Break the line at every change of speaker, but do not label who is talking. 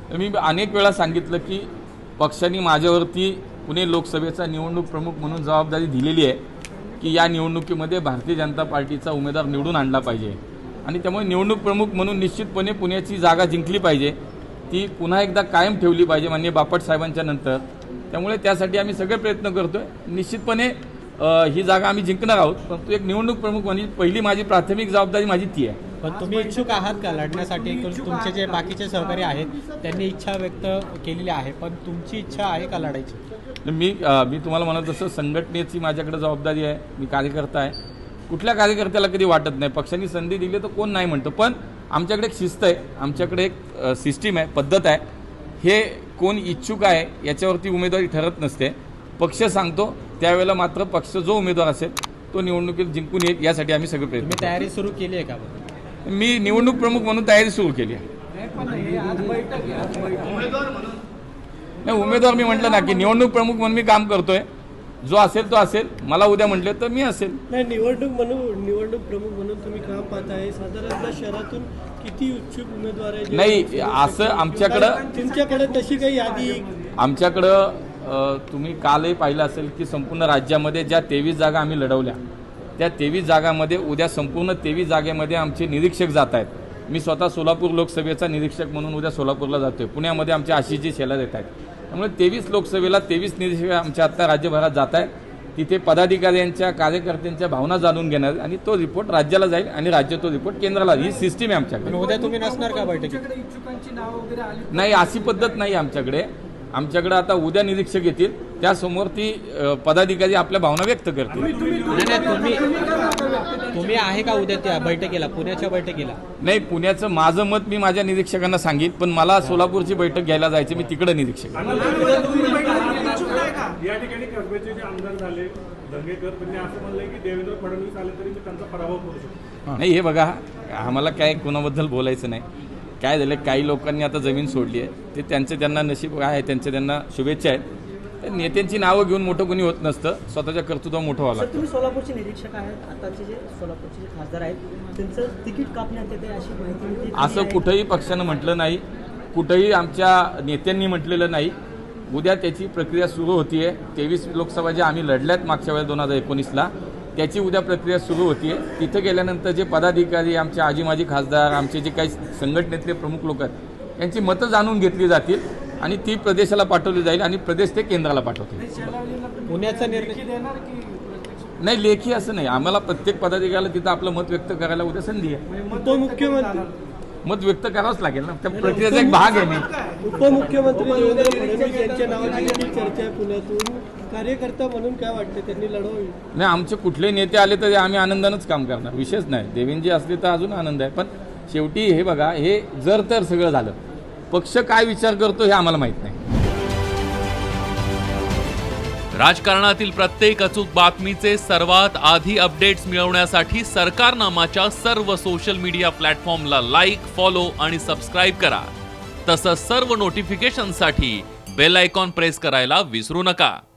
मी अनेक वेळा सांगितलं की पक्षाने माझ्यावरती पुणे लोकसभेचा निवडणूक प्रमुख म्हणून जबाबदारी दिलेली आहे की या निवडणुकीमध्ये भारतीय जनता पार्टीचा उमेदवार निवडून आणला पाहिजे आणि त्यामुळे निवडणूक प्रमुख म्हणून निश्चितपणे पुण्याची जागा जिंकली पाहिजे, ती पुन्हा एकदा कायम ठेवली पाहिजे माननीय बापट साहेबांच्या नंतर। त्यामुळे त्यासाठी आम्ही सगळे प्रयत्न करतोय। निश्चितपणे ही जागा आम्ही जिंकणार आहोत, परंतु एक निवडणूक प्रमुख म्हणजे पहिली माझी प्राथमिक जबाबदारी माझी ती आहे।
पण तुम्ही इच्छुक आहात का लढण्यासाठी? तुमचे जे बाकीचे सहकारी आहेत त्यांनी इच्छा व्यक्त केलेली आहे, पण तुमची इच्छा आहे का लढायची?
मी तुम्हाला म्हणत तसं संघटनेची माझ्याकडे जबाबदारी आहे, मी कार्यकर्ता आहे। कुठल्या कार्यकर्त्याला कधी वाटत नाही पक्षाने संधी दिली तर कोण नाही म्हणतं, पण आमच्याकडे एक शिस्त आहे, आमच्याकडे एक सिस्टीम आहे, पद्धत आहे। हे कोण इच्छुक आहे याच्यावरती उमेदवारी ठरत नसते, पक्ष सांगतो त्यावेळेला मात्र पक्ष जो उमेदवार असेल तो निवडणुकीत जिंकून येईल यासाठी आम्ही सगळे प्रयत्न।
तयारी सुरू केली आहे का?
मी निवडणूक प्रमुख म्हणून तयारी सुरू केली आहे। नाही, उमेदवार मी म्हटलं ना की निवडणूक प्रमुख म्हणून मी काम करतोय, जो असेल तो असेल, मला उद्या म्हटले तर मी असेल।
नाही, निवडणूक प्रमुख म्हणून तुम्ही काम पाहताय, साधारणतः शहरातून किती इच्छुक उमेदवार आहेत?
नाही, असं आमच्याकडं
तुमच्याकडे तशी काही यादी?
आमच्याकडं तुम्ही कालही पाहिलं असेल की संपूर्ण राज्यामध्ये ज्या 23 जागा आम्ही लढवल्या त्या 23 जागांमध्ये उद्या संपूर्ण 23 जागेमध्ये आमचे निरीक्षक जात आहेत। मी स्वतः सोलापूर लोकसभेचा निरीक्षक म्हणून उद्या सोलापूरला जातोय, पुण्यामध्ये आमच्या आशिषजी शेलार येत आहेत। त्यामुळे 23 लोकसभेला 23 निरीक्षक आमच्या आत्ता राज्यभरात जात आहेत, तिथे पदाधिकाऱ्यांच्या कार्यकर्त्यांच्या भावना जाणून घेणार आणि तो रिपोर्ट राज्याला जाईल आणि राज्य तो रिपोर्ट केंद्राला। ही सिस्टीम आहे आमच्याकडे।
उद्या तुम्ही नसणार का बैठकीत?
नाही, अशी पद्धत नाही आमच्याकडे। आमच्याकडे आता उद्या निरीक्षक येतील, त्यासमोर ती पदाधिकारी आपल्या भावना व्यक्त करतील।
तुम्ही आहे का उद्या त्या बैठकीला, पुण्याच्या बैठकीला?
नाही, पुण्याचं माझं मत मी माझ्या निरीक्षकांना सांगितलं, पण मला सोलापूरची बैठक घ्यायला जायचं, मी तिकडे निरीक्षक।
या ठिकाणी कसब्याचे जे आमदार झाले दंगेकर, त्यांनी असं म्हणलंय की देवेंद्र फडणवीस आले तरी मी त्यांचा पराभव करू शकतो।
नाही, हे बघा, आम्हाला काय कोणाबद्दल बोलायचं नाही। काय झालं, काही लोकांनी आता जमीन सोडली आहे, ते त्यांना नशीब आहे, त्यांना शुभेच्छा आहेत। नेत्यांची नावं घेऊन मोठं कोणी होत नसतं, स्वतःच्या कर्तृत्व मोठं व्हावं लागतं।
तुम्ही सोलापूरचे निरीक्षक आहेत, आताचे जे सोलापूरचे जे खासदार आहेत त्यांचं तिकीट कापण्यात येते अशी माहिती मिळते?
असं कुठंही पक्षानं म्हटलं नाही, कुठंही आमच्या नेत्यांनी म्हटलेलं नाही। उद्या त्याची प्रक्रिया सुरू होतीये। 23 लोकसभा ज्या आम्ही लढल्यात मागच्या वेळेस 2019ला, त्याची उद्या प्रक्रिया सुरू होतीये। तिथं गेल्यानंतर जे पदाधिकारी, आमचे आजी माजी खासदार, आमचे जे काही संघटनेतले प्रमुख लोक आहेत यांची मतं जाणून घेतली जातील आणि ती प्रदेशाला पाठवली जाईल आणि प्रदेश ते केंद्राला पाठवतील।
पुण्याचा निर्णय
नाही, लेखी असं नाही, आम्हाला प्रत्येक पदाधिकाऱ्याला तिथं आपलं मत व्यक्त करायला उद्या संधी आहे।
तो मुख्यमंत्री
मत व्यक्त करावंच लागेल ना, त्या प्रक्रियेचा एक भाग आहे। मी
उपमुख्यमंत्री देवेंद्र फडणवीस यांच्या नावाची देखील चर्चा आहे पुण्यातून, कार्यकर्ता म्हणून काय वाटतं, त्यांनी लढवावी?
नाही, आमचे कुठले नेते आले तरी आम्ही आनंदानंच काम करणार, विशेष नाही। देवेंद्रजी असले तर अजून आनंद आहे, पण शेवटी हे बघा, हे जर तर सगळं झालं, पक्ष काय विचार करतो हे आम्हाला माहित नाही।
राजकारणातील प्रत्येक अचूक बातमीचे सर्वात आधी अपडेट्स मिळवण्यासाठी सरकारनामाच्या सर्व सोशल मीडिया प्लॅटफॉर्मला लाईक, फॉलो आणि सबस्क्राईब करा। तसंच सर्व नोटिफिकेशनसाठी बेल आयकॉन प्रेस करायला विसरू नका।